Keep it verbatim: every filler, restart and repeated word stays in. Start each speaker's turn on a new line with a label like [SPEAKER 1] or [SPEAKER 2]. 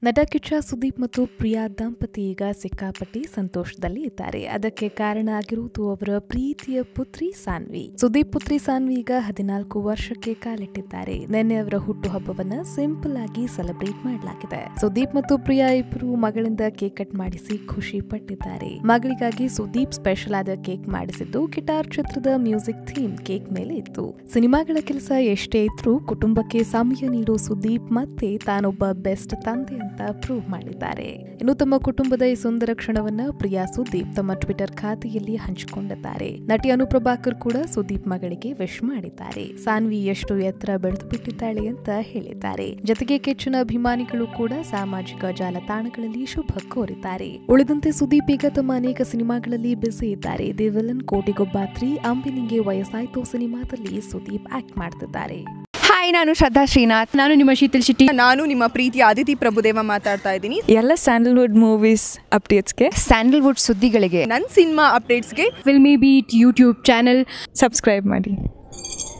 [SPEAKER 1] ನಟ ಕಿಚ್ಚ ಸುದೀಪ್ ಮತ್ತು ಪ್ರಿಯಾ ದಂಪತಿ ಈಗ ಸಿಕ್ಕಾಪಟ್ಟಿ ಸಂತೋಷದಲ್ಲಿ ಇದ್ದಾರೆ. ಅದಕ್ಕೆ ಕಾರಣ ಆಗಿರುವುದು ಅವರ ಪ್ರೀತಿಯ ಪುತ್ರಿ ಸಾನ್ವಿ. ಸುದೀಪ್ ಪುತ್ರಿ ಸಾನ್ವಿ ಈಗ ಹದಿನಾಲ್ಕು ವರ್ಷಕ್ಕೆ ಕಾಲಿಟ್ಟಿದ್ದಾರೆ. ನಿನ್ನೆ ಅವರ ಹುಟ್ಟುಹಬ್ಬವನ್ನ ಸಿಂಪಲ್ ಆಗಿ ಸೆಲೆಬ್ರೇಟ್ ಮಾಡಲಾಗಿದೆ. ಸುದೀಪ್ ಮತ್ತು ಪ್ರಿಯಾ ಇಬ್ಬರು ಮಗಳಿಂದ ಕೇಕ್ ಕಟ್ ಮಾಡಿಸಿ ಖುಷಿ ಪಟ್ಟಿದ್ದಾರೆ. ಮಗಳಿಗಾಗಿ ಸುದೀಪ್ ಸ್ಪೆಷಲ್ ಆದ ಕೇಕ್ ಮಾಡಿಸಿದ್ದು ಗಿಟಾರ್ ಚಿತ್ರದ ಮ್ಯೂಸಿಕ್ ಥೀಮ್ ಕೇಕ್ ಮೇಲೆ ಇತ್ತು. ಸಿನಿಮಾಗಳ ಕೆಲಸ ಎಷ್ಟೇ ಇದ್ರೂ ಕುಟುಂಬಕ್ಕೆ ಸಮಯ ನೀಡೋ ಸುದೀಪ್ ಮತ್ತೆ ತಾನೊಬ್ಬ ಬೆಸ್ಟ್ ತಂದೆ ಅಂತ ಪ್ರೂವ್ ಮಾಡಿದ್ದಾರೆ. ಇನ್ನು ತಮ್ಮ ಕುಟುಂಬದ ಈ ಸುಂದರ ಕ್ಷಣವನ್ನ ಪ್ರಿಯಾ ಸುದೀಪ್ ತಮ್ಮ ಟ್ವಿಟರ್ ಖಾತೆಯಲ್ಲಿ ಹಂಚಿಕೊಂಡಿದ್ದಾರೆ. ನಟಿ ಅನುಪ್ರಭಾಕರ್ ಕೂಡ ಸುದೀಪ್ ಮಗಳಿಗೆ ವಿಶ್ ಮಾಡಿದ್ದಾರೆ. ಸಾನ್ವಿ ಎಷ್ಟು ಎತ್ತರ ಬೆಳೆದು ಬಿಟ್ಟಿದ್ದಾಳೆ ಅಂತ ಹೇಳಿದ್ದಾರೆ. ಜೊತೆಗೆ ಕಿಚ್ಚನ ಅಭಿಮಾನಿಗಳು ಕೂಡ ಸಾಮಾಜಿಕ ಜಾಲತಾಣಗಳಲ್ಲಿ ಶುಭ ಕೋರಿದ್ದಾರೆ. ಉಳಿದಂತೆ ಸುದೀಪ್ ಈಗ ತಮ್ಮ ಅನೇಕ ಸಿನಿಮಾಗಳಲ್ಲಿ ಬ್ಯುಸಿ ಇದ್ದಾರೆ. ದಿ ವಿಲನ್, ಕೋಟಿಗೊಬ್ಬ ತ್ರೀ, ಅಂಬಿನಿಗೆ ವಯಸ್ಸಾಯ್ತು ಸಿನಿಮಾದಲ್ಲಿ ಸುದೀಪ್ ಆಕ್ಟ್ ಮಾಡ್ತಿದ್ದಾರೆ.
[SPEAKER 2] ಹಾಯ್, ನಾನು ಶ್ರದ್ಧಾ ಶ್ರೀನಾಥ್.
[SPEAKER 3] ನಾನು ನಿಮ್ಮ ಶೀತಲ್ ಶೆಟ್ಟಿ.
[SPEAKER 4] ನಾನು ನಿಮ್ಮ ಪ್ರೀತಿಯ ಆದಿತಿ ಪ್ರಭುದೇವ ಮಾತಾಡ್ತಾ ಇದ್ದೀನಿ.
[SPEAKER 5] ಎಲ್ಲ ಸ್ಯಾಂಡಲ್ವುಡ್ ಮೂವೀಸ್ ಅಪ್ಡೇಟ್ಸ್ಗೆ,
[SPEAKER 2] ಸ್ಯಾಂಡಲ್ವುಡ್ ಸುದ್ದಿಗಳಿಗೆ,
[SPEAKER 4] ನನ್ನ ಸಿನಿಮಾ ಅಪ್ಡೇಟ್ಸ್ಗೆ
[SPEAKER 3] Filmibeat YouTube channel
[SPEAKER 5] subscribe ಮಾಡಿ.